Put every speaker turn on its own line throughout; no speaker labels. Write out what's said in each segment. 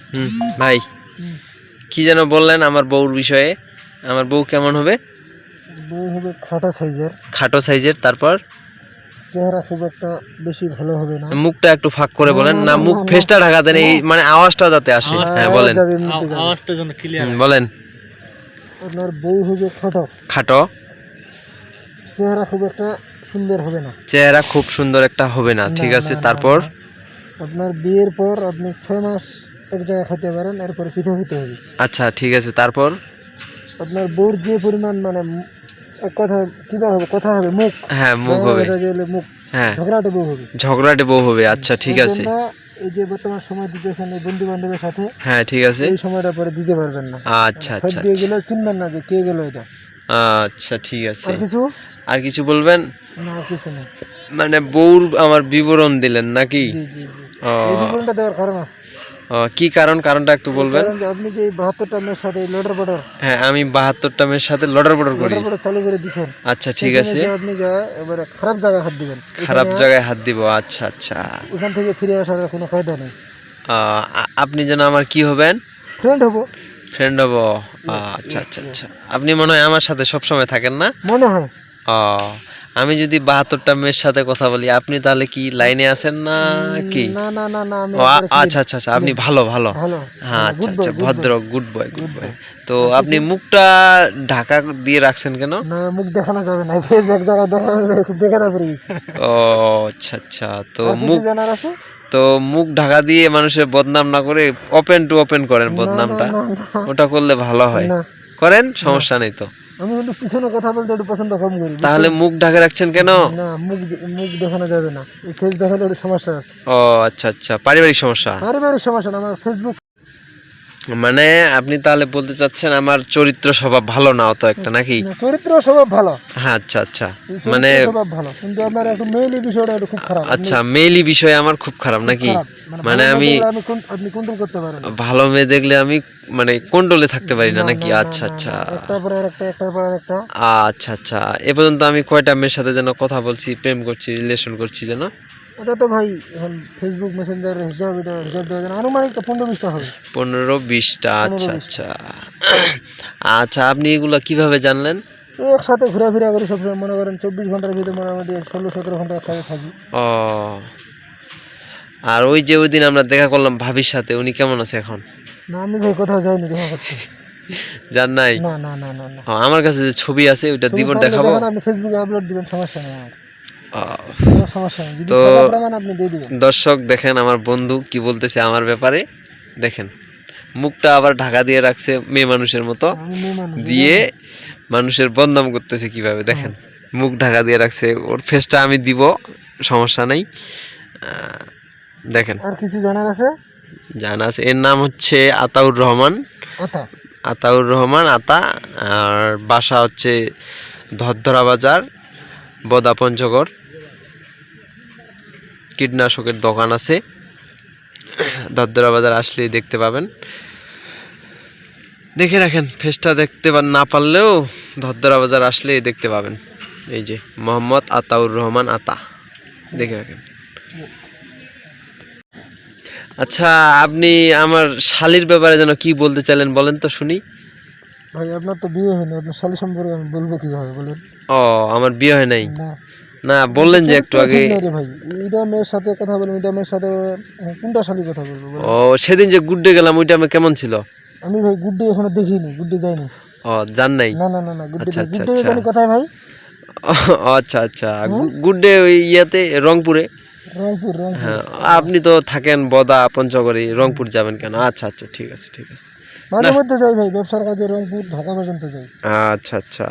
ভাই কি যেন বললেন আমার বউর বিষয়ে? আমার বউ কেমন হবে?
বউ হবে খাটো সাইজের।
খাটো সাইজের। তারপর
চেহারা খুব একটা বেশি ভালো হবে না।
মুখটা একটু ফাঁক করে বলেন না, মুখ
না,
ফেসটা ঢাকা দেন, এই মানে আওয়াজটা যাতে আসে। হ্যাঁ বলেন,
আওয়াজটা যেন ক্লিয়ার
বলেন।
আপনার বউ হবে খাটো।
খাটো।
চেহারা খুব একটা সুন্দর হবে না।
চেহারা খুব সুন্দর একটা হবে না, ঠিক আছে। তারপর
আপনার বিয়ের পর আপনি 6 মাস এক জায়গায় খেতে পারেন, এরপর পৃথক হতে হবে।
আচ্ছা ঠিক আছে। তারপর
আপনার বউর যে পরিমাণ মানে এক কথা কিভাবে হবে, কথা হবে, মুখ।
হ্যাঁ মুখ হবে।
মুখ।
হ্যাঁ
ঝগড়াটে বউ হবে।
ঝগড়াটে বউ হবে। আচ্ছা ঠিক আছে।
এই যে বর্তমান সময় দিতেছেন এই বন্ধু বান্ধবের সাথে,
হ্যাঁ ঠিক আছে।
এই সময়টা পরে দিতে পারবেন না।
আচ্ছা
সব
আচ্ছা
দিয়ে গেলে চিনবেন না যে কে গেল এটা।
আচ্ছা ঠিক আছে।
আর
কিছু বলবেন?
না, কিছু নেই।
মানে বউর আমার বিবরণ দিলেন নাকি?
জি জি জি। এই বিবরণটা দেওয়ার কারণ আছে।
কি কারণটা একটু বলবেন?
কারণ যে আপনি যে 72টা মেয়ের সাথে লড়ার বর্ডার।
হ্যাঁ আমি 72টা মেয়ের সাথে লড়ার বর্ডার করি।
চালু করে দিবেন।
আচ্ছা ঠিক আছে।
আপনি যা এবারে খারাপ জায়গায় হাত দিবেন।
খারাপ জায়গায় হাত দিব। আচ্ছা আচ্ছা।
ওখান থেকে ফিরে আসার কোনো ফায়দা নেই।
আপনি যেন আমার কি হবেন?
ফ্রেন্ড হব।
ফ্রেন্ড হব। আচ্ছা আচ্ছা আচ্ছা। আপনি মনে হয় আমার সাথে সব সময় থাকেন না?
মনে হয়।
আমি যদি 72টা মেয়ের সাথে কথা বলি, আপনি তাহলে কি লাইনে আছেন না কি?
না না না না, আমি
আচ্ছা আচ্ছা আচ্ছা। আপনি ভালো ভালো। হ্যাঁ আচ্ছা আচ্ছা, ভদ্র, গুড বয় গুড বয়। তো আপনি মুখটা ঢাকা দিয়ে রাখছেন কেন?
না, মুখ দেখানো যাবে না, ফেস এক জায়গায় দেখালে খুব বেকার পড়ে গেছে।
ও আচ্ছা আচ্ছা। তো মুখ জানার আছে, তো মুখ ঢাকা দিয়ে মানুষের বদনাম না করে ওপেন টু ওপেন করেন বদনামটা, ওটা করলে ভালো হয়। করেন, সমস্যা নেই তো।
আমি কিন্তু পিছনে কথা বলতে একটু পছন্দ কম করি।
তাহলে মুখ ঢাকা রাখছেন কেন?
না, মুখ দেখানো যাবে না, এই ফেস দেখালে একটু সমস্যা আছে।
ও আচ্ছা আচ্ছা, পারিবারিক সমস্যা।
পারিবারিক সমস্যা না, আমার ফেসবুক।
মানে আপনি তাহলে বলতে চাচ্ছেন আমার চরিত্র স্বভাব ভালো না অত একটা, নাকি?
চরিত্র স্বভাব ভালো।
হ্যাঁ আচ্ছা আচ্ছা। মানে
স্বভাব ভালো, কিন্তু আমার একটু মেইলি বিষয়টা একটু খুব খারাপ।
আচ্ছা, মেইলি বিষয় আমার খুব খারাপ নাকি? মানে আপনি
কন্ট্রোল করতে পারেন।
ভালো মেয়ে দেখলে আমি মানে কন্ট্রোলে থাকতে পারি না নাকি? আচ্ছা আচ্ছা।
একটার পর একটা।
আচ্ছা আচ্ছা। এ পর্যন্ত আমি কয়টা মেয়ের সাথে যেন কথা বলছি, প্রেম করছি, রিলেশন করছি যেন?
ওটা তো ভাই এখন ফেসবুক মেসেঞ্জার হিসাব দেওয়া যায়, আনুমানিক তো 15-20টা হবে।
15-20টা। আচ্ছা আচ্ছা আচ্ছা। আপনি এগুলো কিভাবে জানলেন?
একসাথে ঘোরাফেরা করি সবসময়, মনে করেন 24 ঘন্টার ভিতরে মোটামুটি 16-17 ঘন্টা একসাথে থাকি।
ও, আর ওই যে ওই দিন আমরা দেখা করলাম ভাবির সাথে, উনি কেমন আছে এখন?
না, আমি ভাই কোথাও যাইনি দেখা করতে।
জান নাই?
না না না না না।
আমার কাছে যে ছবি আছে ওইটা দিব, দেখাবো।
আপনি ফেসবুকে আপলোড দিবেন, সমস্যা নেই আমার।
তো দর্শক দেখেন আমার বন্ধু কি বলতেছে আমার ব্যাপারে, দেখেন মুখটা আবার ঢাকা দিয়ে রাখছে মেয়ে মানুষের মতো, দিয়ে মানুষের বদনাম করতেছে কিভাবে, দেখেন মুখ ঢাকা দিয়ে রাখছে। ওর ফেসটা আমি দিব, সমস্যা নাই। দেখেন।
আর কিছু জানার আছে?
জানা আছে। এর নাম হচ্ছে আতাউর রহমান। আতাউর রহমান আতা। আর বাসা হচ্ছে ধরধরা বাজার, বদা পঞ্চগড়। কীটনাশকের দোকান আছে, ধরধরা বাজার আসলেই দেখতে পাবেন। দেখে রাখেন, ফেসটা দেখতে না পারলেও ধরধরা বাজার আসলেই দেখতে পাবেন। এই যে মোহাম্মদ আতাউর রহমান আতা, দেখে রাখেন। আচ্ছা, আপনি আমার শালির ব্যাপারে যেন কি বলতে চাইলেন বলেন তো শুনি।
ভাই আপনার তো বিয়ে হয়নি, আপনার শালি সম্পর্কে আমি বলবো কিভাবে বলেন?
আমার বিয়ে হয় নাই? না বললেন যে একটু আগে।
ভাই এটা মেয়ের সাথে কথা বলেন, এটা মেয়ের সাথে কোনটা শালির কথা বলবো?
সেদিন যে গুড্ডে গেলাম ওইটা আমি কেমন ছিল?
আমি ভাই গুড্ডে এখনো দেখিনি, গুড্ডে যাইনি।
জান নাই?
না না না না, গুড্ডে জানি কোথায় ভাই?
আচ্ছা আচ্ছা। গুড্ডে ওই ইয়াতে রংপুরে।
রংপুর।
হ্যাঁ, আপনি তো থাকেন বদা পঞ্চগড়ে, রংপুর যাবেন কেন? আচ্ছা আচ্ছা ঠিক আছে ঠিক আছে।
মাঝে মধ্যে যাই ভাই, ব্যবসার কাজে রংপুর ঢাকা পর্যন্ত যাই।
আচ্ছা আচ্ছা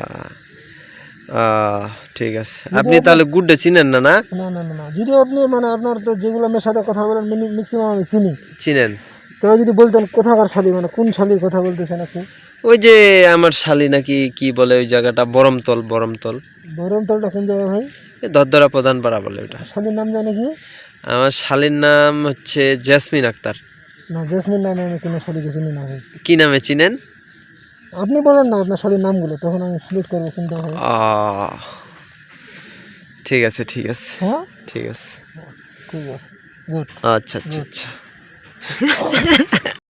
ঠিক আছে। আপনি তাহলে গুড্ডে চিনেন না? না
না না না, যদি আপনি মানে আপনার তো যেগুলো মেয়ের সাথে কথা বলেন ম্যাক্সিমাম আমি
চিনেন।
তো যদি বলতেন কোথাকার শালি, মানে কোন শালির কথা বলতেছেন আপনি?
ওই যে আমার শালি নাকি কি বলে ওই জায়গাটা, বরমতল।
বরমতলটা কোন জায়গা ভাই?
ধরধরা প্রধান পাড়া বলে ওটা।
শালির নাম জানে কি?
আমার শালির নাম হচ্ছে জেসমিন আক্তার।
না, জেসমিন নামে আমি কোনো শালিকে চিনি না ভাই।
কি নামে চিনেন?
আপনি বলেন না আপনার শালির নামগুলো, তখন আমি সিলেক্ট করবো কোনটা হয়।
ঠিক আছে ঠিক আছে।
হ্যাঁ
ঠিক আছে।
ঠিক আছে, গুড।
আচ্ছা আচ্ছা আচ্ছা।